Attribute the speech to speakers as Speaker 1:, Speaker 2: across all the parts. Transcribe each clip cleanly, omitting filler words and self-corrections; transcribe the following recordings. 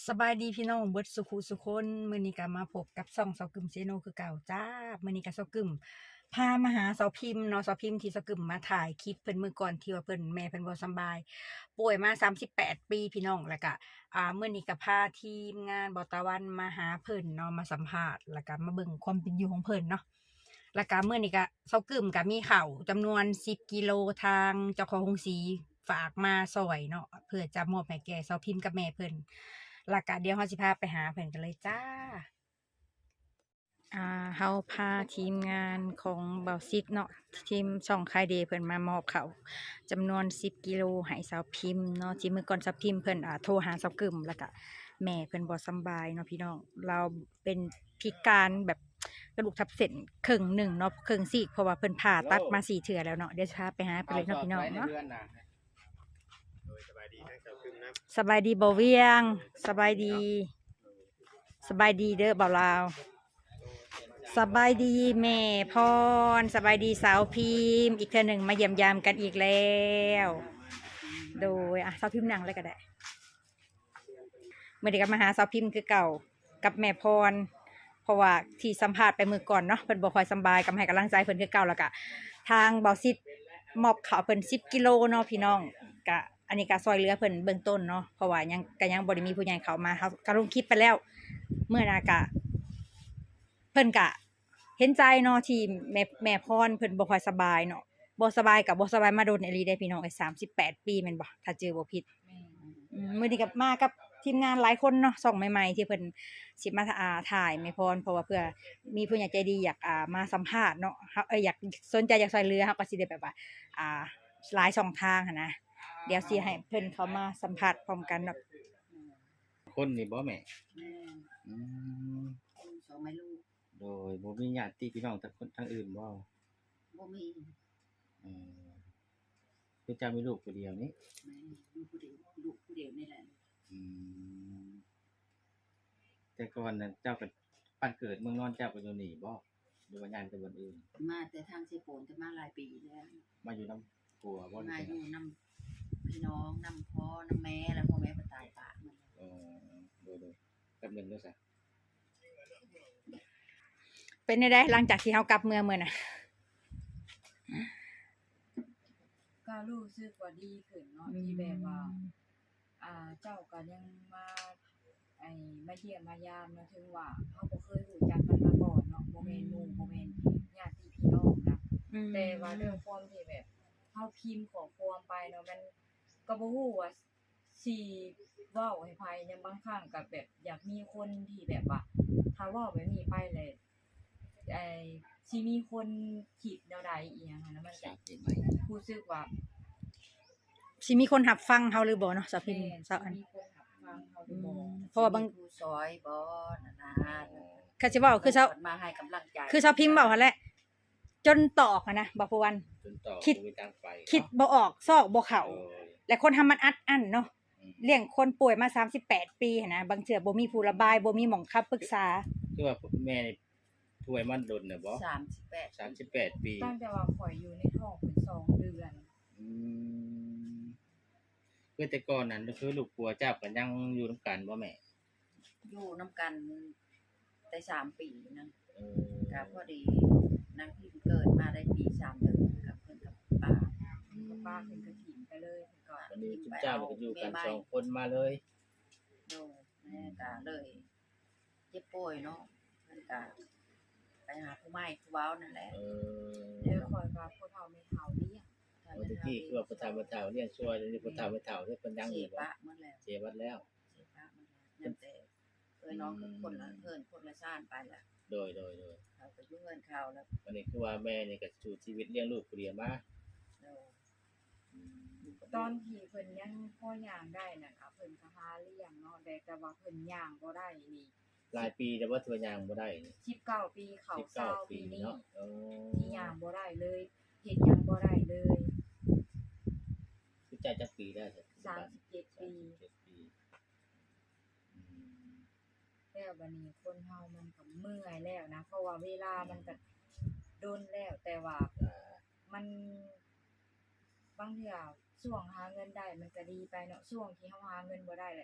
Speaker 1: สบายดีพี่น้องเบิดสุขุสุคนมื้อนี้ก็มาพบกับช่องเสากึมเซโนคือเก่าจ้ามื้อนี้ก็เสากึมพามาหาเสาพิมพ์เนาะเสาพิมพ์ที่เสากึมมาถ่ายคลิปเพิ่นมื้อก่อนที่ว่าเพิ่นแม่เพิ่นบ่สำบายป่วยมา38ปีพี่น้องแล้วก็มื้อนี้ก็พาทีมงานบ่ตะวันมาหาเพิ่นเนาะมาสัมภาษณ์แล้วก็มาเบิ่งความเป็นอยู่ของเพิ่นเนาะแล้วก็มื้อนี้ก็เสากึมก็มีข้าวจำนวน10กิโลทางเจ้าของโรงสีฝากมาซอยเนาะเพื่อจะมอบให้แก่เสาพิมพ์กับแม่เพิ่น แล้วก็เดี๋ยวเราสิพาไปหาเพิ่นกันเลยจ้าเฮาพาทีมงานของเบาซิดเนาะทีมช่องคายเดย์เพิ่นมามอบข้าวจำนวน10กิโลให้สาวพิมพ์เนาะที่มื้อก่อนสาวพิมพ์เพิ่นโทรหาสาวกึมแล้วก็แม่เพิ่นบ่สำบายเนาะพี่น้องเราเป็นพิการแบบกระดูกทับเส้นครึ่งหนึ่งเนาะครึ่งซีกเพราะว่าเพิ่นผ่าตัดมา4เทื่อแล้วเนาะเดี๋ยวจะพาไปหาเพิ่นเลยเนาะพี่น้องเนาะ
Speaker 2: สบายดีทั้งเจ้าคึมนะ
Speaker 1: สบายดีบ่เวียงสบายดีสบายดีเด้อบ่าวลาวสบายดีแม่พรสบายดีสาวพิมพ์อีกเทื่อหนึ่งมาเยี่ยมยามกันอีกแล้วโดยสาวพิมพ์นั่งเลยก็ได้เมื่อเด็กก็มาหาสาวพิมพ์คือเก่ากับแม่พรเพราะว่าที่สัมภาษณ์ไปมื้อก่อนเนาะเพิ่นบ่ค่อยสำบายก็ให้กำลังใจเพิ่นคือเก่าแล้วก็ทางเบาซิดมอบข้าวเพิ่น10กิโลเนาะพี่น้องก็อันนี้ก็ซอยเหลือเพิ่นเบื้องต้นเนาะเพราะว่ายังบ่ได้มีผู้ใหญ่เข้ามาเขาก็ลงคลิปไปแล้วเมื่อน่ะก็เพิ่นก็เห็นใจเนาะที่แม่พรเพิ่นบ่ค่อยสบายเนาะบ่สบายก็บ่สบายมาโดนอีหลีได้พี่น้องไอ้38ปีแม่นบ่ถ้าเจอบ่ผิดมื้อนี้ก็มากับทีมงานหลายคนเนาะช่องใหม่ๆที่เพิ่นสิมาถ่ายแม่พรเพราะว่าเพื่อมีผู้ใหญ่ใจดีอยากมาสัมภาษณ์เนาะเฮาอยากสนใจอยากช่วยเหลือเฮาก็สิได้แบบว่าหลายช่องทางหันนะเดี๋ยวสิให้เพิ่นเข้ามาสัมภาษณ์พร้อมกันเนาะ
Speaker 2: คนนี่บ่แม่
Speaker 3: แม่
Speaker 2: อืม
Speaker 3: คนสองแม่ลูก
Speaker 2: โดยบ่มีญาติพี่น้องทางอื่นบ่
Speaker 3: บ่มี
Speaker 2: เออคือเจ้ามีลูกผู้เดียวนี่
Speaker 3: แม่ลูกผู้เดียวลูกผู้เดียวนี่แหละ
Speaker 2: อืมแต่ก่อนนั้นเจ้าก็บ้านเกิดเมืองนอนเจ้าก็อยู่นี่บ่หรือว่าย้ายไปบ่อนอื่น
Speaker 3: มาแต่ทางเสโปนจะมาหลายปีแล้ว
Speaker 2: มาอยู่นำผัวบ่หรือ
Speaker 3: มา
Speaker 2: จั่งใด
Speaker 3: อยู่นำพี่น้องนำพ่อนำแม่แล้วพ่อแม่ก็ตายปากมัน
Speaker 2: อ๋อโดยแป๊บหนึงเด้อซะ
Speaker 1: เป็นได้หลังจากที่เฮากลับเมืองมื้อน่ะ
Speaker 4: ก็รู้สึกว่าดีขึ้นเนาะที่แบบว่าเจ้าก็ยังมามาเยี่ยมมายามเนาะถึงว่าเฮาบ่เคยรู้จักกันมาก่อนเนาะบ่แม่นหมู่บ่แม่นญาติพี่น้องนะแต่ว่าด้วยความที่แบบเฮาพิมพ์ข้อความไปเนาะมันก็บ่ฮู้ว่าสิเว้าให้ไผเนี่ยบางครั้งก็แบบอยากมีคนที่แบบว่าถ้าเว้าแบบนี้ไปแล้วไอ้สิมีคนคิดแนวใดอีหยังหั้นนะมันก็รู้สึกว่า
Speaker 1: สิมีคนรับฟังเฮาหรือบ่เนาะสาวพิมพ์สาวอัน
Speaker 4: มีคนรับฟังเขาหรือบ่
Speaker 1: เพราะว่าบาง
Speaker 3: ผู้ซอยบ่นั่นน่ะ
Speaker 1: เขาสิเว้าคือสาว
Speaker 3: มาให้กำลังใจ
Speaker 1: คือสาวพิมพ์เว้าหั่นแหละจนตอกนะบ่ผู้วัน
Speaker 2: จนต่อ
Speaker 1: คิด
Speaker 2: บ่มีทางไป
Speaker 1: คิดบ่ออกซอกบ่เข้า
Speaker 2: โอ้ย
Speaker 1: และคนทำมันอัดอั้นเนาะ
Speaker 2: อืม
Speaker 1: เลี้ยงคนป่วยมา38ปีหันนะบางเทื่อบ่มีผู้ระบายบ่มีหม้องคำปรึกษา
Speaker 2: คือว่าแม่นี่ป่วยมาโดนน่ะบ่
Speaker 3: 38
Speaker 2: 38ปี
Speaker 4: ตั้งแต่ว่าข่อยอยู่ในท้องเพิ่น2 เดือน
Speaker 2: อืมคือแต่ก่อนนั้นก็คือลูกผัวเจ้าก็ยังอยู่นำกันบ่แม่
Speaker 3: อยู่นำกันได้3ปีนะ
Speaker 2: เออ
Speaker 3: ก็พอดีนางพิมเกิดมาได้ปี3เดือนกับเพิ่นกับป้า
Speaker 4: ป้าเพิ่นก็ถิ่มไปเลยเพิ่นก็
Speaker 2: วันนี้ทุกเจ้าก็อยู่กัน2คนมาเลย
Speaker 3: โดแม่ก็เลยเจ็บป่วยเนาะเพิ่นก็ไปหาผู้ใหม่ผู้เว้านั่นแหละ
Speaker 4: เดี๋ยวข่อยว่าผู้เฒ่าแม่เฒ่าเลี้ยง
Speaker 2: เมื่อกี้คือว่าพ่อตาแม่เฒ่าเลี้ยงช่วยเดี๋ยวนี้พ่อตาแม่เฒ่าเฮ็ดเพิ่นยังอยู่บ่
Speaker 3: เสียปะหมดแล้ว
Speaker 2: เสียบัดแล้ว
Speaker 3: เสียปะหมดแล้วแต่น้องกับคนละเพิ่นคนละชาติไปแล้ว
Speaker 2: โดย
Speaker 3: เขาก็อยู่เฮือนเขาแล้ว
Speaker 2: วันนี้คือว่าแม่นี่ก็สู้ชีวิตเลี้ยงลูกผู้เดียวมา
Speaker 3: โด
Speaker 2: อืม
Speaker 4: ตอนที่เพิ่นยังพอย่างได้น่ะค่ะเพิ่นก็หาเลี้ยงเนาะแต่ว่าเพิ่นย่างบ่ได้นี่
Speaker 2: หลายปีแต่ว่าตัวยางบ่ได้นี่
Speaker 4: 19 ปีเข้า20ปีนี้
Speaker 2: เนาะ
Speaker 4: ที่ย่างบ่ได้เลยเฮ็ดหยังบ่ได้เลย
Speaker 2: คือจ่ายจักปีได้
Speaker 4: 37 ปี
Speaker 2: อืม
Speaker 4: แล้วบัดนี้คนเฮามันก็เมื่อยแล้วนะเพราะว่าเวลามันก็โดนแล้วแต่ว่ามันบางเทื่อช่วงหาเงินได้มันก็ดีไปเนาะช่วงที่เฮาหาเงินบ่ได้แหละ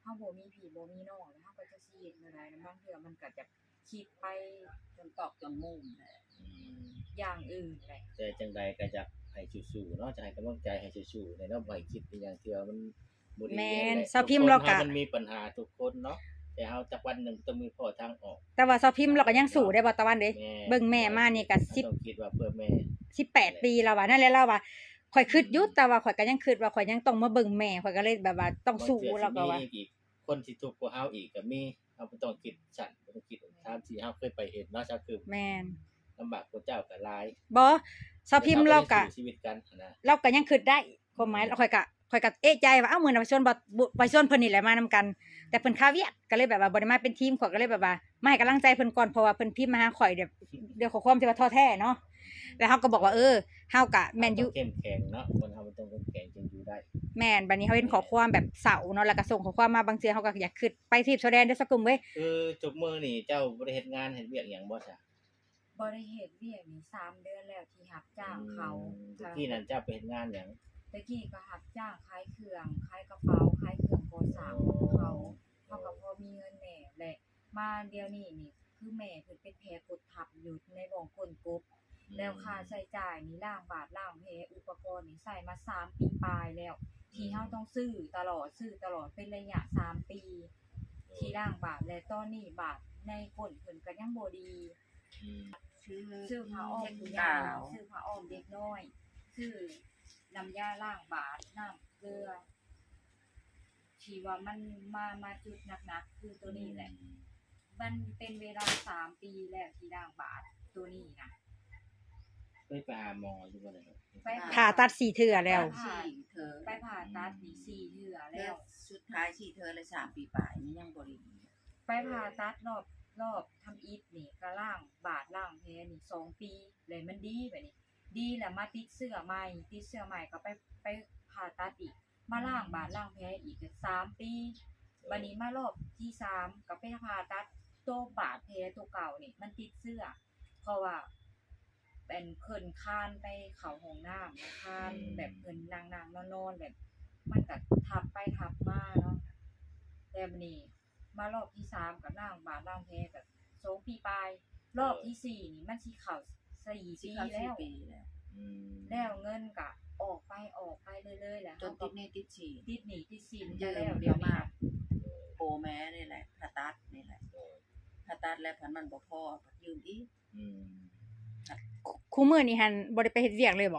Speaker 4: เฮาบ่มีพี่บ่มีน้องแล้วเฮาก็จะสิเฮ็ดแนวใดแล้วบางเทื่อมันก็จะคิดไป
Speaker 3: จนตอกจนมุมแหละ
Speaker 2: อืม
Speaker 4: อย่างอื่นแหละ
Speaker 2: แต่จังใดก็จะให้สู้ๆเนาะจะให้กำลังใจให้สู้ๆในเนาะบ่ให้คิดเป็นอย่างเทื่อมันบ่ดี
Speaker 1: แม่น
Speaker 2: หละ
Speaker 1: เซาพิมพ์เราก็
Speaker 2: ทุคนมันมีปัญหาทุกคนเนาะแต่เฮาจักวันหนึงต้องมีข้อทางออก
Speaker 1: แต่ว่าซอพิมพ์เราก็ยังสู้ได้บ่ตะวันเด้
Speaker 2: แม่
Speaker 1: เบิ่งแม่มานี่ก็
Speaker 2: เราต้องคิดว่าเพื่อแม่
Speaker 1: 18 ปีแล้วว่านั่นแหละเราว่าข่อยคิดอยู่แต่ว่าข่อยก็ยังคิดว่าข่อยยังต้องมาเบิ่งแม่ข่อยก็เลยแบบว่าต้องสู้แล้วก็ว่า
Speaker 2: บงเทื่อสิมีอีกคนที่ทุกข์กว่าเฮาอีกก็มีเฮาบ่ต้องคิดสั่นบ่ต้องคิดตามที่เฮาเคยไปเห็นเนาะก็คือ
Speaker 1: แม่น
Speaker 2: ลำบากกว่าเจ้าก็หลาย
Speaker 1: บ่ซอพิมพ์เราก็
Speaker 2: แต่สู้ชีวิตกันนะ
Speaker 1: เราก็ยังคิดได้ความหมายข่อยก็เอะใจว่าเอ้ามื้อน่ะไปชวนบ่ไปชวนเพิ่นนี่แหละมานำกัน แต่เพิ่นค่าเวียกก็เลยแบบว่าบ่ได้มาเป็นทีมข่อยก็เลยแบบว่ามาให้กำลังใจเพิ่นก่อนเพราะว่าเพิ่นพิมพ์มาหาข่อยเดี๋ยวขอความที่ว่าท้อแท้เนาะแล้วเฮาก็บอกว่าเฮาก็แม่นอยู่
Speaker 2: เเข้มแข็งเนาะคนเฮามันต้องเข้มแข็งจึงอยู่ได้
Speaker 1: แม่นบัดนี้เฮาเห็นข้อความแบบเศร้าเนาะแล้วก็ส่งข้อความมาบางเทื่อเฮาก็อยากคิดไปทีบโซแดนเด้อสักกลุ่มเว้ย
Speaker 2: คือจบมื้อนี่เจ้าบ่ได้เฮ็ดงานเฮ็ดเวียกหยังบ่ซะ
Speaker 4: บ่ได้เฮ็ดเวียกนี่3เดือนแล้วที่รับจ้างเขา
Speaker 2: ตะกี้นั่นเจ้าไปเฮ็ดงานหยัง
Speaker 4: ตะกี้ก็รับจ้างขายเครื่องขายกระเป๋าขายเครื่องก่อสร้างของเขาก็พอมีเงินแหน่แหละมาเดี๋ยวนี้นี่คือแม่เพิ่นเป็นแผลกดทับอยู่ในบ่องก้นกบ แล้วค่าใช้จ่ายนี่ล้างบาทล้างแผลอุปกรณ์นี่ใส่มา3ปีปลายแล้ว ที่เฮาต้องซื้อตลอดเป็นระยะ3ปีที่ล้างบาทและตอนนี้บาทในก้นเพิ่นก็ยังบ่ดี
Speaker 2: อืม
Speaker 4: ซื้อผ้าอ้อมผู้ใหญ่ซื้อผ้าอ้อมเด็กน้อยซื้อน้ำยาล้างบาทน้ำเกลือที่ว่ามันมาจุดหนักๆคือตัวนี้แหละ มันเป็นเวลา3ปีแล้วที่ล้างบาทตัวนี้นะ
Speaker 2: เคยไปหาหมออยู่บ่ได้ครับ
Speaker 4: ไป
Speaker 1: ผ่าตัด4เทื่อแล้ว
Speaker 3: สี่เธอ
Speaker 4: ไปผ่าตัดนี่4เทื่อ
Speaker 3: แล้
Speaker 4: แล้ว ว
Speaker 3: สุดท้ายสี่เธอเลย3 ปีปลายนี่ยังบ่ได้
Speaker 4: ไปผ่าตัดรอบทำอีทนี่ก็ล้างบาทล้างแผลนี่2ปีเลยมันดีแบบนี้ ดีแล้วมาติดเสื้อใหม่ก็ไปผ่าตัดอีก มาล้างบาดล้างแผลอีกก็3 ปีบัดนี้มารอบที่3ก็ไปผ่าตัดตัวบาดแผลตัวเก่านี่มันติดเสื้อ เพราะว่าเป็นเพิ่นคานไปเข้าห้องน้ำคานแบบเพิ่นนั่งนอนแบบ มันก็ทับไปทับมาเนาะแต่บัดนี้มารอบที่3ก็ล้างบาดล้างแผลก็2 ปีปลายรอบที่4นี่มันสิเข้า4 ปีแล้ว
Speaker 3: ปีแล้ว
Speaker 2: อืม
Speaker 4: แล้วเงินก็ออกไปเรื่อยๆแหละ
Speaker 3: จนติดหนี้ติดฉี่
Speaker 4: ติดหนี้ติดสิน
Speaker 3: ยื
Speaker 4: จะ
Speaker 3: ม
Speaker 4: แล้ว
Speaker 3: เดี๋
Speaker 4: เดี๋
Speaker 3: ย
Speaker 4: ยว ว
Speaker 3: มา
Speaker 4: มา
Speaker 3: โปรแม่นี่แหละผ่าตัดนี่แหละผ่าตัดแล้วพันมันบ่พอยืมอีก
Speaker 2: อืม
Speaker 1: คู่มื้อนี้หันบ่ได้ไปเฮ็ดเวียกเลยบ่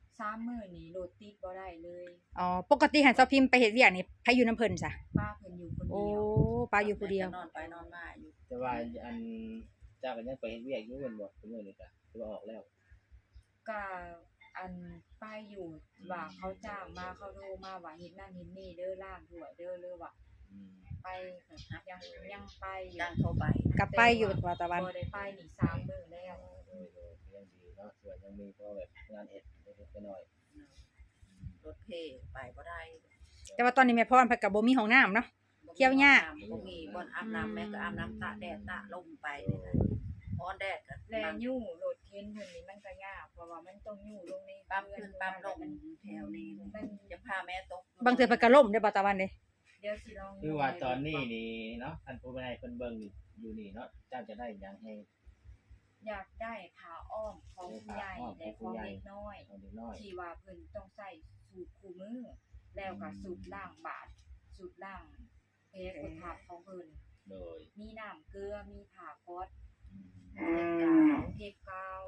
Speaker 4: 3 มื้อนี้รถติดบ่ได้เลย
Speaker 1: อ๋อปกติหันซอพิมพ์ไปเฮ็ดเวียกนี่ไผอยู่นำเพิ่นซะ
Speaker 4: ป้าเพิ่นอยู่คน
Speaker 1: โอ้
Speaker 4: เดียว
Speaker 1: ป้าอยู่ผู้เดียว
Speaker 3: นอนไปนอนมาอยู่
Speaker 2: แต่ว่าอันเจ้าก็ยังไปเฮ็ดเวียกอยู่แม่นบ่คือมื้อนี้ก็คือว่าออกแล้ว
Speaker 4: ก็อันป้าอยู่ว่าเขาจ้างมาเขาโทรมาว่าเฮ็ดนั่นเฮ็ดนี่เด้อล้างถ้วยเด้อหรือว่า
Speaker 2: อืม
Speaker 4: ไปยังไปอยู่
Speaker 3: ดังเข้าไป
Speaker 1: กลับไปอยู่ว่าตะวัน
Speaker 4: บ่ได้ไปนี่3 มื้อแล้ว
Speaker 2: โดยก็ยังดีเนาะส่วนยังมีพอแบบงานเฮ็ดเล็กๆน้อย
Speaker 3: รถเพไปบ่ได้
Speaker 1: แต่ว่าตอนนี้แม่พรเพิ่นก็บ่มีห้องน้ำเนาะ เกี่ยวยาก
Speaker 3: บ่มีบ่อนอาบน้ำแม่ก็อาบน้ำตากแดดตากลมไปนี่นะร้อนแดดก็
Speaker 4: แลยู่รถเข็นเพิ่นนี่มันก็ยากเพราะว่ามันต้องยู่ลงใน
Speaker 3: ปั๊มขึ้นปั๊มลง
Speaker 4: มัน
Speaker 3: แถวนี้
Speaker 4: มัน
Speaker 3: จะพาแม่ตก
Speaker 1: บางเทื่อเพิ่นก็ล่มได้อบ่ตะวันเด้
Speaker 4: เดี๋ยวสิลอง
Speaker 2: ๆคือว่าตอนนี้นี่เนาะท่านผู้บริหารเพิ่นเบิ่งอยู่นี่เนาะเจ้าจะได้หยังให้
Speaker 4: อยากได้ผ้าอ้อมของผู้ใหญ่และของเด็กน้อย
Speaker 2: เอาเด็กน้อย
Speaker 4: ที่ว่าเพิ่นต้องใส่สูตรคู่มือ แล้วก็สูตรล้างบาดสูตรล้างแผลกดทับของเพิ่น
Speaker 2: โดย
Speaker 4: มีน้ำเกลือมีผ้าก๊อซ
Speaker 2: อืม
Speaker 4: เทปกาว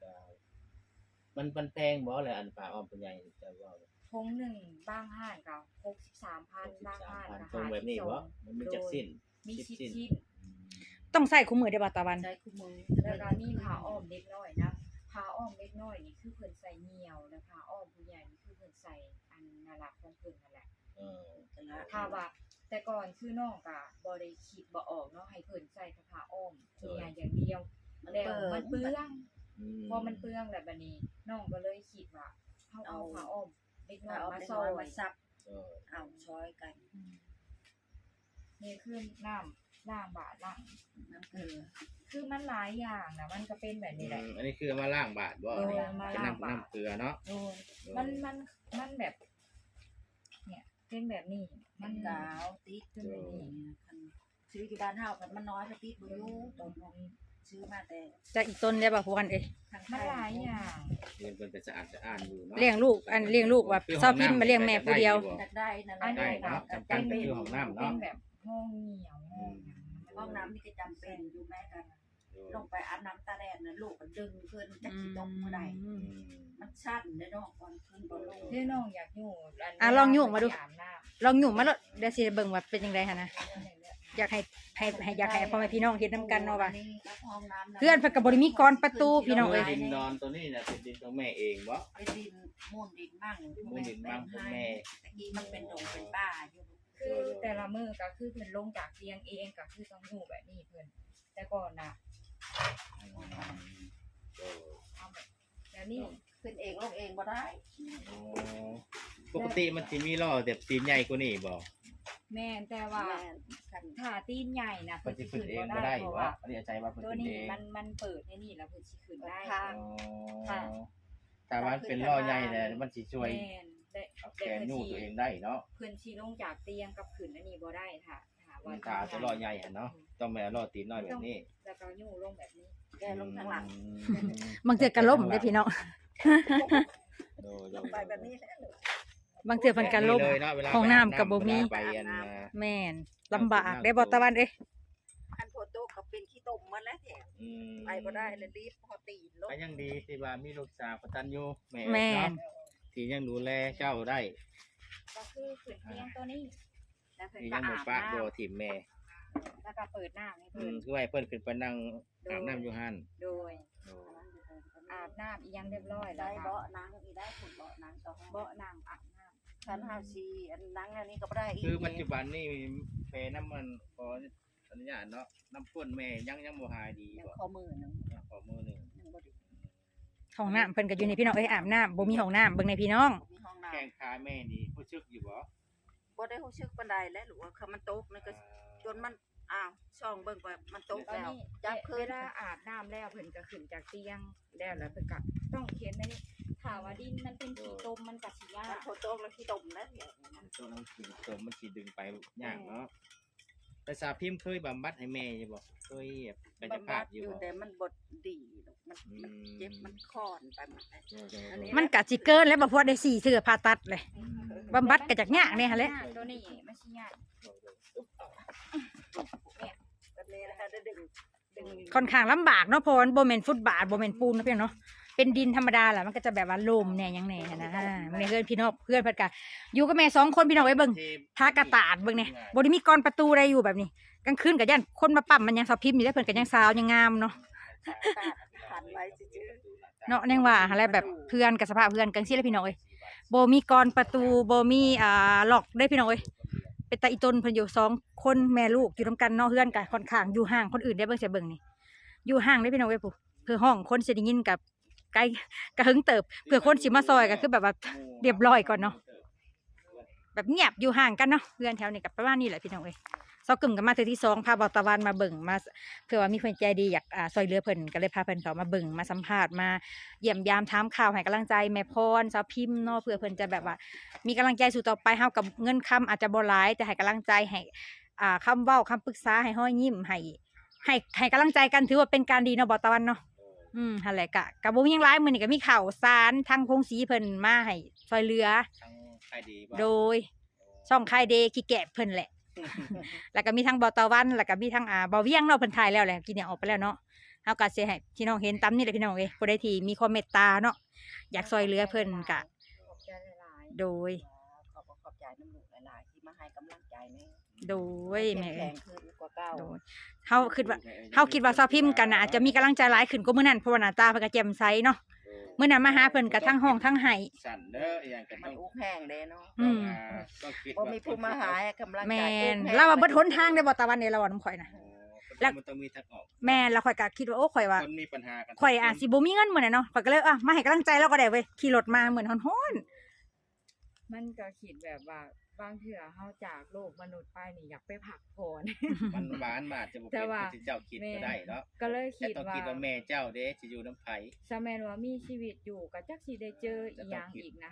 Speaker 2: มันแพงบ่แหละอันป่าอ้อมผู้ใหญ่จะว่า
Speaker 4: ทงหนึ่งบางห้านก็63,000บางห้านก็
Speaker 2: ตรงแบบนี้บ่มันมีจักสิ้น
Speaker 4: มี
Speaker 2: 10
Speaker 4: 10
Speaker 2: สิ้น
Speaker 4: ชิ้น
Speaker 2: อืม
Speaker 1: ต้องใส่คู่มือได้อบ่ตะวัน
Speaker 3: ใช้คู่มือ
Speaker 4: แล้วก็มีผ้าอ้อมเล็กน้อยนะผ้าอ้อมเล็กน้อยนี่คือเพิ่นใส่เหนียวแล้วผ้าอ้อมผู้ใหญ่นี่คือเพิ่นใส่อันนารักของเพิ่นนั่นแหละ
Speaker 2: เออ
Speaker 4: ถ้าว่าแต่ก่อนคือน้องก็บ่ได้คิดบ่ออกเนาะให้เพิ่นใส่แต่ผ้าอ้อมผู้ใหญ่อย่างเดียวแล้วมันเปลือง
Speaker 2: อืม
Speaker 4: พอมันเปลืองแล้วบัดนี้น้องก็เลยคิดว่าเฮาเอาผ้าอ้อมเล็กน้อย
Speaker 3: เอา
Speaker 4: มา
Speaker 3: ไป
Speaker 4: ซ
Speaker 3: ซ
Speaker 4: อ
Speaker 3: อย
Speaker 4: ย
Speaker 3: มาซับ
Speaker 2: เออ
Speaker 3: เอาช้อยกัน
Speaker 4: นี่คือน้ำล้างบาดล้าง
Speaker 3: น้ำเกลือ
Speaker 4: คือมันหลายอย่างนะมันก็เป็นแบบนี้แหละ
Speaker 2: อันนี้คือมาล้างบาทบ่
Speaker 4: เออ
Speaker 2: เนี่ย
Speaker 4: มา
Speaker 2: เป็น
Speaker 4: ล้างบาท
Speaker 2: น้ำเกลือเนาะ
Speaker 4: โดนมันแบบ เนี่ยเทเป็นแบบนี้
Speaker 3: มันกาวติด
Speaker 4: เป็นแบบนี้
Speaker 3: คันซื้อที่บ้านเฮาคันมันน้อยก็ติดบ่อยู่ตอนของซื้อมาแต่
Speaker 1: จากอีกต้นได้บ่พวกกันเอ้ย
Speaker 3: ทางไท
Speaker 4: มันหลายอย่าง
Speaker 2: เงินเพิ่นก็สะอาดสะอ้านอยู่เนาะ
Speaker 1: เลี้ยงลูกเลี้ยงลูกว่าเซาพิมพ์มาเลี้ยงแม่ผู้เดียว
Speaker 3: อยากได้นั่นแห
Speaker 4: อั
Speaker 3: ละ
Speaker 4: นนี้
Speaker 2: เนาะจำเป็นคือห้องน้ำ
Speaker 4: เป็
Speaker 2: เนาะ
Speaker 4: นแบบห้องเหนียวห้องหยัง
Speaker 3: ห้องน้ำนี่ก็จำเป็นอยู่แม่กันลงไปอาบน้ำตาแดดน่ะลูกก็ดึงขึ้นจักสิตกเมื่อใดมันสั้นเด้อเนาะก่อนขึ้นบ่ลง
Speaker 4: ที่น้องอยากอยู่
Speaker 1: อ่ะลองอยู่มาดู
Speaker 4: อาบน้ำ
Speaker 1: ลองหยุ่มมาแล้วเดี๋ยวสิเบิ่งว่าเป็นจังไดหั่นนะอยากให้อยากให้พ่อแม่พี่น้องเฮ็ดนํกันเนาะว่า
Speaker 3: ห้องน้ำ
Speaker 1: เพื่อนเพิ่นก็บ่ได้มีกรประตูพี่น้องเอ้ย
Speaker 2: ดินนอนตัวนี้น่ะเป็นดินของแม่เองบ่
Speaker 3: เป็นดินมูลดินมั่ง
Speaker 2: มูลดินมั่งของแม่
Speaker 3: ตะกี้มันเป็นดงเป็นป่าอยู่
Speaker 4: คือแต่ละมื้อก็คือเพิ่นลงจากเตียงเองก็คือต้องอยู่แบบนี้เพิ่นแต่ก่อนน่ะเอาแบบนี้
Speaker 3: ขึ้นเองลงเองบ่ได้
Speaker 2: ปกติมันสิมีล้อแบบตีนใหญ่กว่านี้บ่
Speaker 4: แม่นแต่ว่า
Speaker 3: แม่คัน
Speaker 4: ถ้าตีนใหญ่น่ะ
Speaker 2: เพิ่
Speaker 4: เพิ่
Speaker 2: น
Speaker 4: น
Speaker 2: สิ
Speaker 4: สิ
Speaker 2: ขึ้
Speaker 4: ขึ้
Speaker 2: น
Speaker 4: น
Speaker 2: เอง
Speaker 4: บ่
Speaker 2: บ่
Speaker 4: ได้
Speaker 2: ได้
Speaker 4: เพราะ
Speaker 2: บ่
Speaker 4: ว่า
Speaker 2: อันนี้ใจว่าเพิ่น
Speaker 4: ตัว
Speaker 2: ขึ้น
Speaker 4: นี้
Speaker 2: เอง
Speaker 4: มันเปิดให้นี่แล้วเพิ่นสิขึ้นได้
Speaker 3: ทาง
Speaker 2: อ๋อแต่ว่าเป็นล้อใหญ่แหละมันสิช่วย
Speaker 4: แม่นได้
Speaker 2: เอาแขนยู่ตัวเองได้เนาะ
Speaker 4: เพิ่นสิลงจากเตียงกับขึ้นอันนี้บ่ได้ค่ะว่า
Speaker 2: ขาตัวล้อใหญ่หั่นเนาะต้องแม่ล้อตีนน้อยแบบนี้
Speaker 4: แล้วก็ยู่ลงแบบนี้
Speaker 3: แกลงทางหลัง
Speaker 1: บางเทื่อก็ล่มเด้อพี่น้อง
Speaker 2: โดย
Speaker 3: ลงไปแบบนี้แหละ
Speaker 1: บางเทื่อเพิ่นก็ล่ม
Speaker 2: เลยเนาะเวลา
Speaker 1: ห้องน้ำก็บ่มี
Speaker 2: เวลาไปอัน
Speaker 1: แม่นลำบากได้บ่ตะวันเอ้ย
Speaker 3: อันโพโตก็เป็นขี้ตมหมดแล้วแถม
Speaker 2: อืม
Speaker 3: ไปบ่ได้เลยรีบพอตีนลง
Speaker 2: ก็ยังดีที่ว่ามีลูกสาวกตัญญูแม่
Speaker 1: แม่น
Speaker 2: เนาะที่ยังดูแลเจ้าได้
Speaker 4: ก็คือขึ้นเตียงตัวนี้แล้วเพิ่น
Speaker 2: ที่
Speaker 4: ก็
Speaker 2: ยังบ่
Speaker 4: อาบ
Speaker 2: ปะ
Speaker 4: น้
Speaker 2: บ่ถิ่มแม่
Speaker 4: ำแล้วก็เปิดน้ำให้
Speaker 2: อื
Speaker 4: เพิ่
Speaker 2: ม
Speaker 4: น
Speaker 2: คือให้เพิ่นขึ้นไปนั่งอาบน้ำอยู่หั่น
Speaker 4: โดย
Speaker 2: โอ้
Speaker 4: อาบน้ำอีหยังเรียบร้อยแล้
Speaker 3: ได้
Speaker 4: ว
Speaker 3: เบาะนางอีได้ขุดเบาะนางต่อ
Speaker 4: เบาะน้ำอาบน้
Speaker 3: คันเฮาสิอันนางอันนี้ก็บ่ได้อีก
Speaker 2: คือปัจจุบันนี่แม่น้ำมันขออนุญาตเนาะน้ำข้นแม่ยังบ่หายดี
Speaker 3: ยัง
Speaker 2: บ่
Speaker 3: ข้อมือหนึง
Speaker 2: ขอมือหนึง
Speaker 3: ยังบ่ดี
Speaker 1: ห้องน้ำเพิ่นก็อยู่ในพี่น้องเอ้ยอาบน้ำบ่มีห้องน้ำเบิ่งในพี่น้อง
Speaker 3: มีห้องน้
Speaker 2: แข้งขาแม่นี่รู้สึกอยู่บ่
Speaker 3: ำบ่ได้รู้สึกปานใดแล้วหรือว่าคือมันตกนั่นก็จนมันอ้าวช่องเบิ่งไปมันตก
Speaker 4: ำตอน
Speaker 3: แล้ว
Speaker 4: นี้
Speaker 3: จับคืน
Speaker 4: เวลาอาบน้ำแล้วเพิ่นก็ขึ้นจากเตียงแล้วเพิ่นก็ต้องเขียนไว้นี่ถ้าว่าดินมันเป็นขี้ตมมันก็สิยา
Speaker 3: มัน
Speaker 4: ก
Speaker 3: โพโตแล้วขี้ตมแล้วเนี่ย
Speaker 2: ตัวน้ำกินตัวมันสิดึงไปยากเนาะแต่สาพิมพ์เคยบำบัดให้แม่อยู่บ่เคยแบบกาย
Speaker 3: บำ
Speaker 2: ภา
Speaker 3: บั
Speaker 2: พ
Speaker 3: ด
Speaker 2: อ
Speaker 3: อยู่ ยู่
Speaker 2: บ่
Speaker 3: แต่มันบ่ดีหรอกมันเจ็บมันคลอนไปหมดเลย อันนี้
Speaker 1: มันก็สิเกินแล้วบ่พอได้4เทื่อผ่าตัดเลยบำบัดก็จักยากแน่หั่นแหละ
Speaker 4: ตัวนี้มันสิยาก
Speaker 3: แบบนี้นะคะได้ดึง
Speaker 1: ค่อนข้างลำบากเนาะเพราะมันบ่แม่นฟุตบาทบ่แม่นปูนเนาะพี่น้องเนาะเป็นดินธรรมดาแหละมันก็จะแบบว่าลมแหน่หยังแหน่หั้นนะมันเพื่อนพี่น้องเพื่อนเพิ่นก็อยู่กับแม่2คนพี่น้องไว้เบิ่งทากระตาดเบิ่งเนี่ยบ่ได้มีกรประตูใดอยู่แบบนี้กลางคืนก็ย่านคนมาปั๊มมันยังสอบพิมพ์อยู่แล้วเพิ่นก็ยังสาวยังงามเนาะ
Speaker 3: ขันไว้จืด
Speaker 1: เนาะแน่งว่าอะไรแบบเพื่อนกับสภาพเพื่อนกังซี่แหล้วพี่น้องเอ้ยบ่มีกรประตูบ่มีล็อกได้พี่น้องเอ้ยเป็นตาอีตนเพิ่นอยู่2คนแม่ลูกอยู่นํกันเนาะเพื่อนก็ค่อนข้างอยู่ห่างคนอื่นได้เบิ่งเสียเบิ่งนี่อยู่ห่างได้พี่น้องเอ้ยผู้เพื่อห้องคนสิได้ยินกับไกลกระหึงเติบเพื่อคนสิมาซอยก็คือแบบว่าเรียบร้อยก่อนเนาะแบบเงียบอยู่ห่างกันเนาะเพื่อนแถวนี้ก็ประมาณนี้แหละพี่น้องเอ้ยเซากึ่มกันมาเทื่อที่2พาเบาตะวันมาเบิ่งมาเพื่อว่ามีคนใจดีอยากซอยเหลือเพิ่นก็เลยพาเพิ่นเข้ามาเบิ่งมาสัมภาษณ์มาเยี่ยมยามถามข่าวให้กำลังใจแม่พรสาวพิมพ์เนาะเพื่อเพิ่นจะแบบว่ามีกำลังใจสู่ต่อไปเฮากับเงินคำอาจจะบ่หลายแต่ให้กำลังใจให้คำเว้าคำปรึกษาให้ห้อยยิ้มให้กำลังใจกันถือว่าเป็นการดีเนาะบ่ตะวันเนาะหั่นแหละกะบ่มีหยังหลายมื้อนี้ก็มีข่าวสารทางพงศรีเพิ่นมาให้ซอยเหลือ
Speaker 2: ทั้งใครดีบ่
Speaker 1: โดยช่องค่ายเดย์ขี้แกะเพิ่นแหละ แล้วก็มีทั้งบอตะวันแล้วก็มีทั้งบอเวียงเนาะเพิ่นถ่ายแล้วแหละกินเนี่ยออกไปแล้วเนาะเฮาก็สิให้พี่น้องเห็นตามนี่แหละพี่น้องเอ้ยผู้ใดที่มีความเมตตาเนาะอยากซอยเหลือเพิ่นก็
Speaker 4: ขอบใจหลาย
Speaker 1: โดย
Speaker 3: ขอบใจน้ำลูกหลายๆที่มาให้กำลังใจแม่
Speaker 1: โดยแม่
Speaker 3: แข็
Speaker 1: เอ้ย
Speaker 3: งขึ้นกว่าเก่า
Speaker 1: โดยเฮาคิดว่าซาวพิมพ์กันน่ะอาจจะมีกำลังใจหลายขึ้นกว่ามื้อนั้นเพราะว่าหน้าตาเพิ่นก็แจ่มใสเนาะมื้อนั้นมาหาเพิ่นก็ทั้งห้องทั้งไห้
Speaker 2: สั่นเด้ออหย่างกัน
Speaker 3: มั
Speaker 2: ต้
Speaker 3: น
Speaker 2: อง
Speaker 3: อุกแห้งเด้เนาะ
Speaker 1: อืม
Speaker 2: ต้องคิด
Speaker 3: บ่มีผู้มาหาให้กำลังใจ
Speaker 1: แม่น
Speaker 3: อุกแห้ง
Speaker 1: เราว่าเบิดหนทางได้บ่ตะวันนี่เราว่าน้ำข่อยน่ะ
Speaker 2: แล้วมันต้องมีทางออก
Speaker 1: แม่นแล้วข่อยก็คิดว่าโอ้ข่อยว่า
Speaker 2: คนมีปัญหากัน
Speaker 1: ข่อยสิบ่มีเงินมื้อนั้นเนาะข่อยก็เลยมาให้กำลังใจเราก็ได้เว้ยขี่รถมาเหมือนฮ้อน
Speaker 4: ๆมันก็คิดแบบว่าบางเทื่อเฮาจากโลกมนุษย์ไปนี่อยากไปพักผ่อน
Speaker 2: มันหวานบาดจะบ่
Speaker 4: แต่
Speaker 2: เป็น
Speaker 4: ว่า
Speaker 2: ที่เจ้าคิดก็ได้เนาะ
Speaker 4: ก็เลย
Speaker 2: แต่
Speaker 4: คิด
Speaker 2: ต้อง
Speaker 4: ว่า
Speaker 2: คิดว่าแม่เจ้าเด้สิอยู่น้ำไผ
Speaker 4: สมัยว่ามีชีวิตอยู่ก็จักสิได้เจออีหยังอีกนะ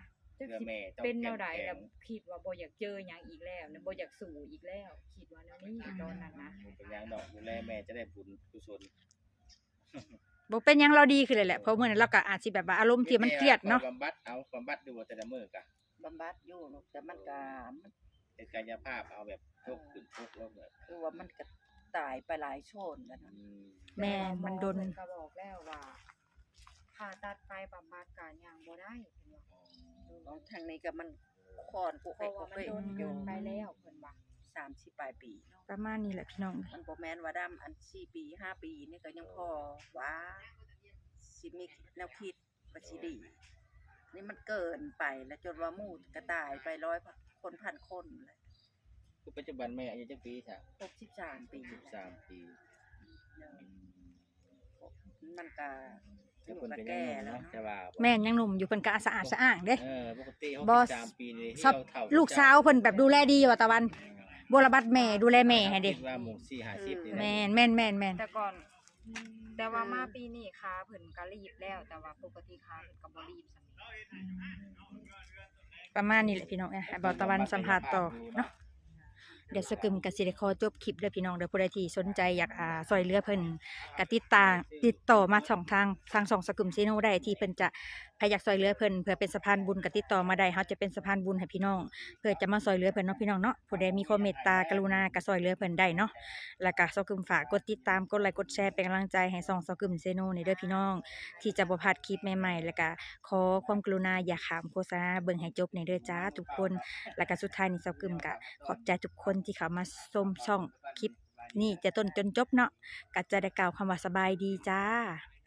Speaker 4: จัก
Speaker 2: เพื่อ
Speaker 4: สิ
Speaker 2: แม่ต้อง
Speaker 4: เป็นแนวใด
Speaker 2: เข้มข็ง
Speaker 4: แล้วคิดว่าบ่อยากเจอหยังอีกแล้วนะบ่อยากสู้อีกแล้ว คิดว่าแนวนี้ตอนนั้นนะ
Speaker 2: เป็นหยังดอกดูแลแม่จะได้บุญกุศล
Speaker 1: บ่เป็นหยังเราดีขึ้นเลยแหละเพราะมื้อนั้นเราก็อาจสิแบบว่าอารมณ์ที่มันเครียดเนาะ
Speaker 2: บำบัดเอาบำบัดดูแต่ละมื้อกะ
Speaker 3: บำบัดอยู่ลูกแต่มันก็มัน
Speaker 2: เป็นกายภาพเอาแบบทุกข์ขึ้นทุกข์ลงแบบ
Speaker 3: คือว่ามันก็ตายไปหลายโชนแล้วนะ
Speaker 1: แม่มันโดน
Speaker 4: เพิ่ก็บอกแล้วว่าผ่าตัดไปบำบัดก็ยังบ่ได้เพิ่นว่า
Speaker 3: ของทางนี้ก็มันคอนกู
Speaker 4: เพ
Speaker 3: ให้
Speaker 4: ราะ
Speaker 3: กู
Speaker 4: ว่ามัน
Speaker 3: ให้
Speaker 4: โดนเกินไปแล้วเพิ่นว่า
Speaker 3: 30ปลายปีเนาะ
Speaker 1: ประมาณนี้แหละพี่น้อง
Speaker 3: มันบ่แม่นว่าดำอัน4ปี5ปีนี่ก็ยังพอว่าสิมีแนวคิดว่าสิดีนี่มันเกินไปแล้วจนว่าหมู่ก็ตายไป100คนพันคนเลย
Speaker 2: คือปัจจุบันแม่อายุจักปีจ้ะ
Speaker 3: 63ปีแล้ว
Speaker 2: 13 ปีอืม
Speaker 3: มันก็
Speaker 2: แต่เพิ่นก็ยังหนุ่มเนาะแต่ว่า
Speaker 1: แม่นยังหนุ่มอยู่เพิ่นก็สะอาดสะอ้างเด้
Speaker 2: ปกติ
Speaker 1: บ่
Speaker 2: 63ปีนี่
Speaker 1: ชอบ
Speaker 2: เฒ่า
Speaker 1: ลูกสาวเพิ่นแบบดูแลดีว่าตะวันบ่ระบัดแม่ดูแลแม่ให้เด้
Speaker 2: คิดว่าหมู่4-50นี่นะ
Speaker 1: แม่นแม่นแม่นแม่น
Speaker 4: แต่ก่อน แต่ว่ามาปีนี้ขาเพิ่นก็รีบแล้ว แต่ว่าปกติขาเพิ่นก็บ่รีบซั่น
Speaker 1: ประมาณนี้แหละพี่น้องให้บ่าวตะวันสัมภาษณ์ต่อเนาะเดี๋ยวสกึมก็สิได้ขอจบคลิปเด้อพี่น้องเด้อผู้ใดที่สนใจอยากช่วยเหลือเพิ่นก็ติดต่อมาช่องทางช่องสกึมซีโนได้ที่เพิ่นจะใครอยากช่วยเหลือเพิ่นเพื่อเป็นสะพานบุญก็ติดต่อมาได้เฮาจะเป็นสะพานบุญให้พี่น้องเพื่อจะมาช่วยเหลือเพิ่นเนาะพี่น้องเนาะผู้ใดมีความเมตตากรุณาก็ช่วยเหลือเพิ่นได้เนาะแล้วก็สกึมฝากกดติดตามกดไลค์กดแชร์เป็นกำลังใจให้ช่องสกึมซีโนนี่เด้อพี่น้อง ที่จะบ่พลาดคลิปใหม่ๆแล้วก็ขอความกรุณาอย่าขามโฆษณาเบิ่งให้จบในเด้อจ้าทุกคนแล้วก็สุดท้ายนี่เซากึมก็ขอบใจทุกคนที่เข้ามาชมช่องคลิปนี่จะต้นจนจบเนาะก็จะได้กล่าวคำว่าสบายดีจ้า